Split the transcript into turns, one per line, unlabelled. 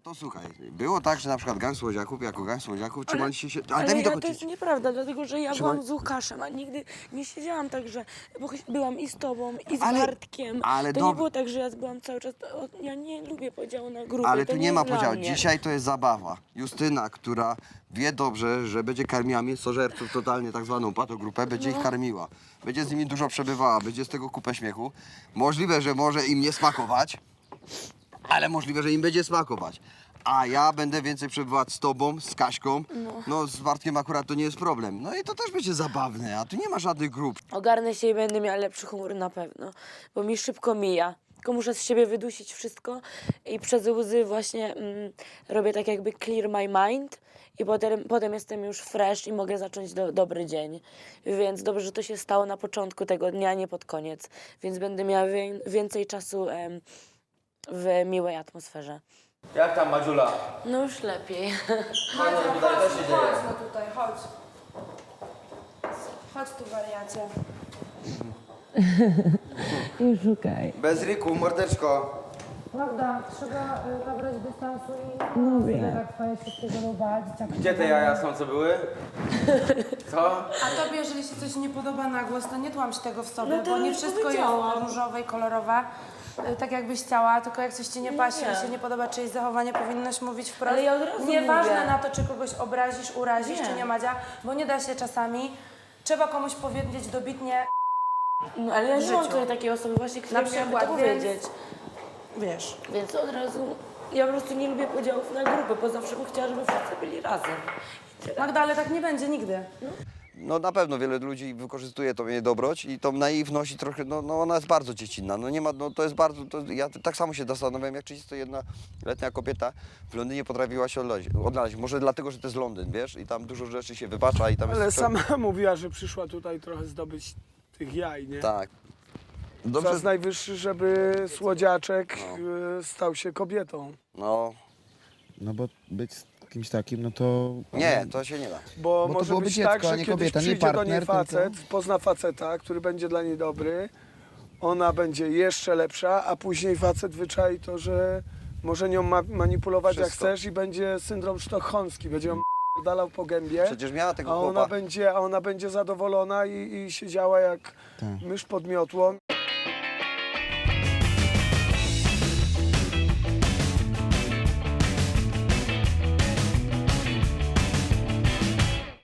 to słuchaj, było tak, że na przykład gang słodziaków, jako gang słodziaków trzymaliście się...
Ale
daj mi
to
dokończyć.
jest nieprawda, dlatego że ja byłam z Łukaszem, a nigdy nie siedziałam tak, że... Bo byłam i z tobą, i z Bartkiem.
ale
To
dob-
nie było tak, że ja byłam cały czas... Ja nie lubię podziału na grupy,
Ale
to
tu nie ma
jest dla
podziału.
mnie.
Dzisiaj to jest zabawa. Justyna, która wie dobrze, że będzie karmiła mięsożerców, totalnie tak zwaną patogrupę, będzie ich karmiła. Będzie z nimi dużo przebywała, będzie z tego kupę śmiechu. Możliwe, że może im nie smakować, ale możliwe, że im będzie smakować. A ja będę więcej przebywać z tobą, z Kaśką. No z Bartkiem akurat to nie jest problem. No i to też będzie zabawne, a tu nie ma żadnych grup.
Ogarnę się i będę miała lepszy humor na pewno, bo mi szybko mija. Tylko muszę z siebie wydusić wszystko i przez łzy właśnie robię tak jakby clear my mind i potem jestem już fresh i mogę zacząć dobry dzień. Więc dobrze, że to się stało na początku tego dnia, nie pod koniec. Więc będę miała więcej czasu w miłej atmosferze.
Jak tam, Madziula?
No już lepiej.
Chodź, co się dzieje?
Chodź no tutaj, chodź. Chodź tu, wariacie.
Nie szukaj.
Bez Riku, mordeczko.
Magda, trzeba nabrać dystansu i
Mówię.
tak swoje wszystkiego bać.
Gdzie te jaja są, co były? Co?
A tobie, jeżeli się coś nie podoba na głos, to nie tłamś tego w sobie,
No to
bo nie
już
wszystko
powiedziałam.
jest różowe i kolorowe. Tak jakbyś chciała, tylko jak coś ci nie pasi
nie.
i się nie podoba czyjeś zachowanie, powinnaś mówić wprost.
Ale ja od razu
Nieważne
mówię.
na to, czy kogoś obrazisz, urazisz,
Nie.
czy nie, Madzia, bo nie da się czasami. Trzeba komuś powiedzieć dobitnie,
No ale ja nie mam
życiu.
tutaj takiej osoby właśnie, która
Na
miałaby
przykład,
to
więc-
powiedzieć.
wiesz.
Więc od razu ja po prostu nie lubię podziałów na grupy, bo zawsze bym chciała, żeby wszyscy byli razem. I tyle.
Magda, ale tak nie będzie nigdy.
No na pewno wiele ludzi wykorzystuje tą jej dobroć i tą naiwność i trochę, no ona jest bardzo dziecinna. No nie ma, no to jest bardzo, ja tak samo się zastanawiam, jak 31-letnia kobieta w Londynie potrafiła się odnaleźć. Może dlatego, że to jest Londyn, wiesz, i tam dużo rzeczy się wybacza i tam
Ale
jest...
sama mówiła, że przyszła tutaj trochę zdobyć tych jaj, nie?
Tak.
Czas
Dobrze,
najwyższy, żeby słodziaczek stał się kobietą.
no
No bo być z kimś takim, no to...
nie, to się nie da.
Bo
Bo to
może
byłoby
być
dziecko,
tak,
a
że
nie
kiedyś
kobieta, nie
przyjdzie do niej
partner,
facet, pozna faceta, który będzie dla niej dobry, ona będzie jeszcze lepsza, a później facet wyczai to, że może nią manipulować jak
Wszystko.
chcesz i będzie syndrom sztokholmski, będzie ją dalał po gębie,
Przecież miała tego
a
chłopa.
ona będzie zadowolona i siedziała jak
Tak.
mysz pod miotłą.